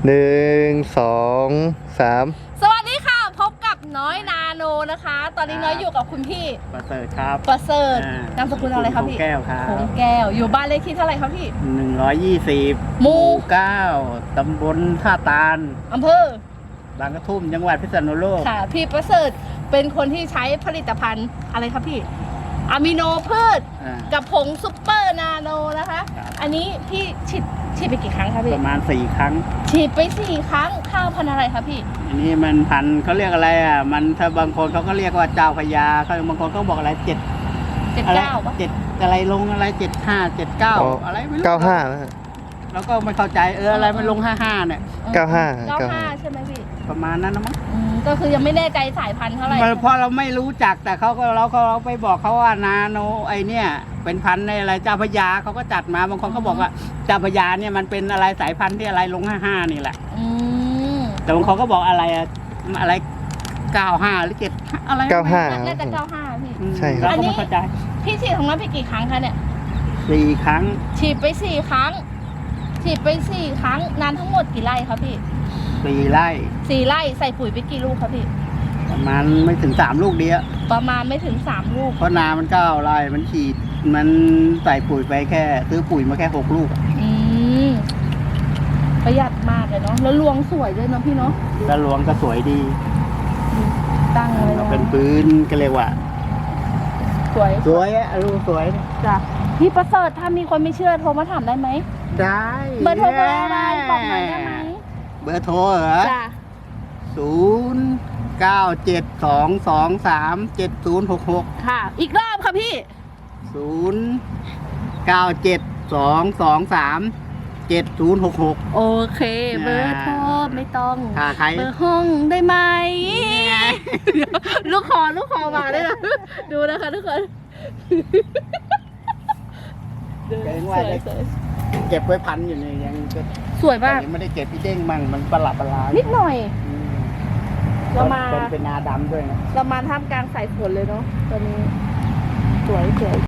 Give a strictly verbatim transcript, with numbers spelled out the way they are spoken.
หนึ่งสองสามสวัสดีค่ะพบกับน้อยนาโนนะคะ ตอนนี้น้อยอยู่กับคุณพี่ประเสริฐครับประเสริฐอ่านามสกุลอะไรครับพี่คงแก้วครับคงแก้วอยู่บ้านเลขที่เท่าไหร่ครับพี่หนึ่งร้อยยี่สิบหมู่เก้าตำบลท่าตาลอำเภอบางกระทุ่มจังหวัดพิษณุโลกค่ะพี่ประเสริฐเป็นคนที่ใช้ผลิตภัณฑ์อะไรครับพี่อะมิโนพืชอ่ากับผงซุปเปอร์นาโนนะคะครับอันนี้พี่ฉีดฉีดไปกี่ครั้งครับปพี่ระมาณสี่ครั้งฉีดไปสี่ครั้งข้าวพันธุ์อะไรครับพี่อันนี้มันพันธุ์เขาเรียกอะไรอ่ะ มันถ้าบางคนเขาก็เรียกว่าเจ้าพญาเขาบางคนก็บอกอะไรเจ็ดเจ็ดอะไรเก้าปะเจ็ดอะไรลงอะไรเจ็ดห้าเจ็ดเก้าอะไรไม่รู้เก้าห้านะฮะแล้วก็ไม่เข้าใจเอออะไรมันลงห้าห้าเนี่ยเก้าห้าเก้าเก้าห้าห้าใช่ไหมพี่ประมาณนั้นนะมั้งอืมก็คือยังไม่แน่ใจสายพันธุ์เท่าไหร่มันเพราะเราไม่รู้จักแต่เขาก็เราก็เราไปบอกเขาว่านาโนไอเนี่ยเป็นพันธุ์ในอะไรเจ้าพญาเขาก็จัดมาบางคนก็บอกว่าเจ้าพญาเนี่ยมันเป็นอะไรสายพันธุ์ที่อะไรลงห้าห้านี่แหละอืมแต่บางคนก็บอกอะไรอะอะไรเก้าห้าหรือเจ็ดอะไรเก้าห้าน่าจะเก้าห้าพี่อืมใช่ครับเราก็ไม่เข้าใจพี่ฉีดของนั้นไปกี่ครั้งคะเนี่ยสี่ครั้งฉีดไปสี่ครั้ง ฉีดไปสี่ครั้งนานทั้งหมดกี่ไร่ครับพี่สี่ไร่สี่ไร่ใส่ปุ๋ยไปกี่ลูกครับพี่ประมาณไม่ถึงสามลูกเดียวประมาณไม่ถึงสามลูกเพราะนามันเก้าไร่มันฉีดมันใส่ปุ๋ยไปแค่ ซื้อปุ๋ยมาแค่หกลูกอะอืมประหยัดมากเลยเนาะแล้วรวงสวยด้วยเนาะพี่เนาะแล้วหลวงก็สวยดีตั้งไว้เราเนาะเป็นพื้นก็เรียกว่าสวยสวยอะลูกสวยจ้ะพี่ประเสริฐถ้ามีคนไม่เชื่อโทรมาถามได้ไหมได้เบอร์โทรเบอร์อะไรบอกหน่อยได้ไหมเบอร์โทรเหรอจ้ะศูนย์เก้าเจ็ดสองสองสามเจ็ดศูนย์หกหกค่ะ อีกรอบค่ะพี่ศูนย์เก้าเจ็ดสองสองสามเจ็ดศูนย์หกหกโอเค เบอร์โทรไม่ต้องถ้าใครเบอร์ห้องได้ไหม ลูกคอลูกคอมาด้วยนะ ดูนะคะทุกคนเกรงว่าจะสวยเก็บไว้พันอยู่เนี่ยยังก็ๆสวยมากยังไม่ได้เก็บพี่เด้งมั่งมันประหลาดประหลาดนิดหน่อยอืมเรามาเป็นเป็นนาดำด้วยนะเรามาท่ามกลางสายฝนเลยเนาะตอนนี้ สวยสวย